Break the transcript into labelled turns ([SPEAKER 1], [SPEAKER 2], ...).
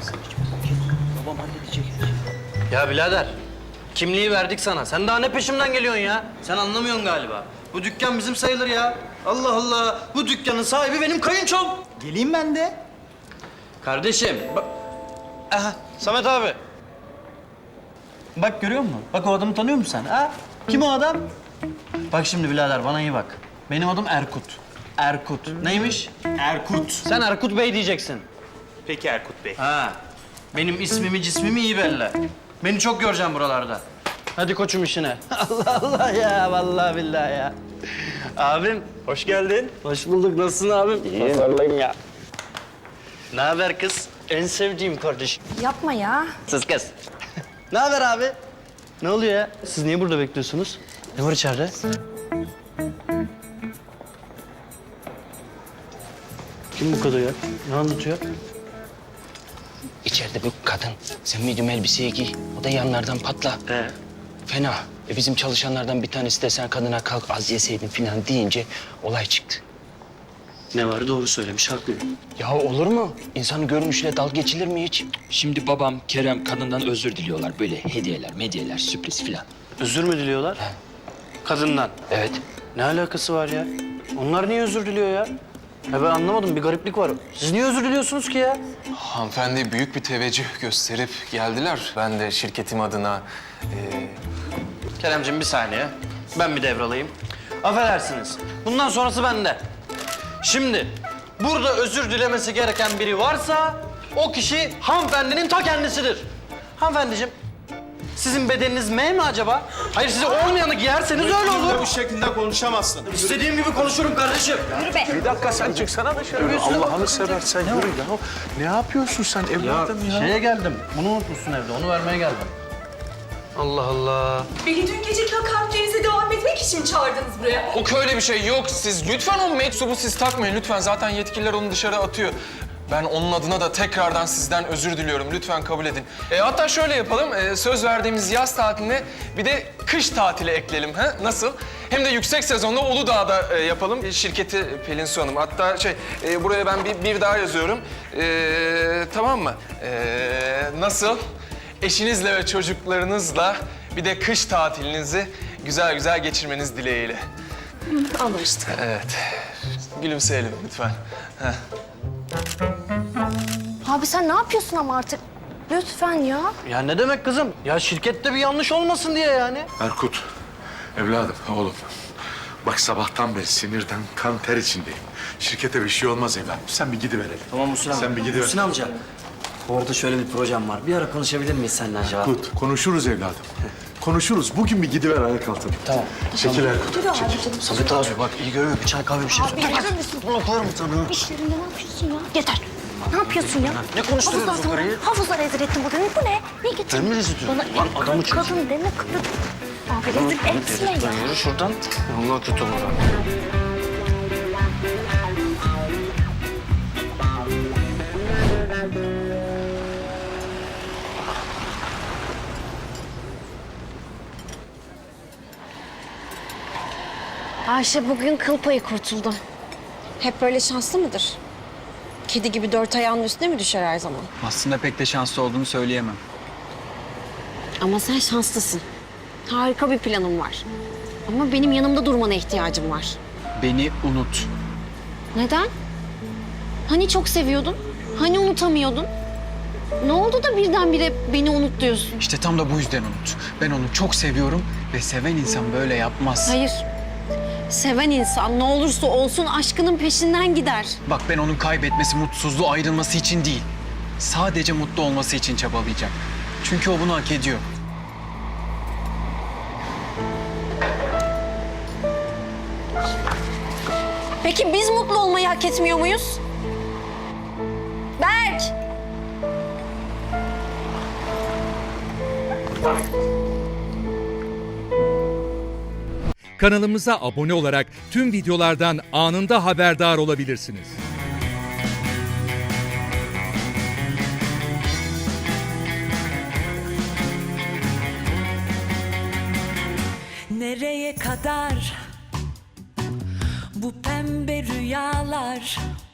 [SPEAKER 1] Babam halledecek. Ya birader, kimliği verdik sana. Sen daha ne peşimden geliyorsun ya? Sen anlamıyorsun galiba. Bu dükkan bizim sayılır ya. Allah Allah, bu dükkanın sahibi benim kayınçom.
[SPEAKER 2] Geleyim ben de.
[SPEAKER 1] Kardeşim, bak... Aha, Samet abi. Bak görüyor musun? Bak o adamı tanıyor musun sen? Ha? Kim o adam? Bak şimdi birader, bana iyi bak. Benim adım Erkut. Erkut. Neymiş?
[SPEAKER 2] Erkut.
[SPEAKER 1] Sen Erkut Bey diyeceksin.
[SPEAKER 2] Peki Erkut Bey.
[SPEAKER 1] Ha. Benim ismimi, cismimi iyi belli. Beni çok göreceğim buralarda. Hadi koçum işine. Allah Allah ya, vallahi billahi ya. Abim.
[SPEAKER 2] Hoş geldin.
[SPEAKER 1] Hoş bulduk. Nasılsın abim? İyiyim. Vallahi ya. Ne haber kız? En sevdiğim kardeşim.
[SPEAKER 3] Yapma ya.
[SPEAKER 1] Sus kız. Ne haber abi? Ne oluyor ya? Siz niye burada bekliyorsunuz? Ne var içeride? Kim bu kadın ya? Ne anlatıyor?
[SPEAKER 4] İçeride bir kadın. Sen medium elbiseyi giy. O da yanlardan patla. Fena. Bizim çalışanlardan bir tanesi de sen kadına kalk az yeseydin falan deyince olay çıktı.
[SPEAKER 1] Ne var? Doğru söylemiş, haklı.
[SPEAKER 4] Ya olur mu? İnsanın görünüşüyle dalga geçilir mi hiç?
[SPEAKER 5] Şimdi babam, Kerem kadından özür diliyorlar. Böyle hediyeler, medyeler, sürpriz filan.
[SPEAKER 1] Özür mü diliyorlar? Kadından.
[SPEAKER 4] Evet.
[SPEAKER 1] Ne alakası var ya? Onlar niye özür diliyor ya? Ya ben anlamadım, bir gariplik var. Siz niye özür diliyorsunuz ki ya?
[SPEAKER 6] Hanımefendi büyük bir teveccüh gösterip geldiler. Ben de şirketim adına...
[SPEAKER 1] Keremciğim bir saniye. Ben bir devralayım. Affedersiniz. Bundan sonrası bende. Şimdi burada özür dilemesi gereken biri varsa o kişi hanımefendinin ta kendisidir. Hanımefendiciğim, sizin bedeniniz M mi acaba? Hayır, size olmayanı giyerseniz öyle olur.
[SPEAKER 2] Bu şekilde konuşamazsın.
[SPEAKER 1] İstediğim gibi konuşurum kardeşim.
[SPEAKER 7] Bir dakika sen çıksana dışarı. Allah'ını seversen yürü ya. Ne yapıyorsun sen evladım ya?
[SPEAKER 1] Şeye geldim. Bunu unutmuşsun evde. Onu vermeye geldim. Allah Allah.
[SPEAKER 8] Beni dün geceki hakaretlerinize devam etmek için mi çağırdınız buraya?
[SPEAKER 6] O öyle bir şey yok. Siz lütfen o meczubu siz takmayın lütfen. Zaten yetkililer onu dışarı atıyor. Ben onun adına da tekrardan sizden özür diliyorum. Lütfen kabul edin. Hatta şöyle yapalım. Söz verdiğimiz yaz tatiline bir de kış tatili ekleyelim. Ha? Nasıl? Hem de yüksek sezonda Uludağ'da yapalım. Şirketi Pelin Su Hanım. Hatta buraya ben bir daha yazıyorum. Tamam mı? Nasıl? Eşinizle ve çocuklarınızla bir de kış tatilinizi güzel güzel geçirmeniz dileğiyle.
[SPEAKER 8] Anlaştık.
[SPEAKER 6] Evet. Gülümseyelim lütfen. Heh.
[SPEAKER 3] Abi sen ne yapıyorsun ama artık? Lütfen ya.
[SPEAKER 1] Ya ne demek kızım? Ya şirkette bir yanlış olmasın diye yani.
[SPEAKER 7] Erkut, evladım, oğlum. Bak sabahtan beri sinirden kan ter içindeyim. Şirkete bir şey olmaz evladım. Sen bir gidiverelim.
[SPEAKER 1] Tamam Muhsin amca.
[SPEAKER 7] Sen bir gidiver.
[SPEAKER 1] Muhsin amca. Bu arada şöyle bir projem var. Bir ara konuşabilir miyiz seninle acaba?
[SPEAKER 7] Erkut, konuşuruz evladım. Konuşuruz. Bugün bir gidiver ayak altına.
[SPEAKER 1] Tamam.
[SPEAKER 7] Çekil Erkut, çekil.
[SPEAKER 1] Samet abi bak iyi görüyor. Bir çay kahve bir şey.
[SPEAKER 3] Abi verir misin?
[SPEAKER 1] Bunu koyarım sana.
[SPEAKER 3] İşlerinde ne yapıyorsun ya? Yeter. Ne yapıyorsun ya?
[SPEAKER 1] Ne konuşturuyoruz o karıyı?
[SPEAKER 3] Hafızlar rezil ettin burada. Bu ne? Ne getirdin?
[SPEAKER 1] Ben mi rezil ediyorum?
[SPEAKER 3] Bana
[SPEAKER 1] Lan adamı çek.
[SPEAKER 3] kadın deme kadın. Abi rezil etme ya.
[SPEAKER 1] Yürü şuradan. Allah kötü olur ha.
[SPEAKER 3] Ayşe bugün kıl payı kurtuldu. Hep böyle şanslı mıdır? Kedi gibi dört ayağının üstüne mi düşer her zaman?
[SPEAKER 9] Aslında pek de şanslı olduğunu söyleyemem.
[SPEAKER 3] Ama sen şanslısın. Harika bir planım var. Ama benim yanımda durmana ihtiyacım var.
[SPEAKER 9] Beni unut.
[SPEAKER 3] Neden? Hani çok seviyordun? Hani unutamıyordun? Ne oldu da birdenbire beni unut diyorsun?
[SPEAKER 9] İşte tam da bu yüzden unut. Ben onu çok seviyorum ve seven insan böyle yapmaz.
[SPEAKER 3] Hayır. Seven insan ne olursa olsun aşkının peşinden gider.
[SPEAKER 9] Bak ben onun kaybetmesi, mutsuzluğu, ayrılması için değil. Sadece mutlu olması için çabalayacak. Çünkü o bunu hak ediyor.
[SPEAKER 3] Peki biz mutlu olmayı hak etmiyor muyuz? Berk!
[SPEAKER 10] Kanalımıza abone olarak tüm videolardan anında haberdar olabilirsiniz.
[SPEAKER 8] Nereye kadar bu pembe rüyalar?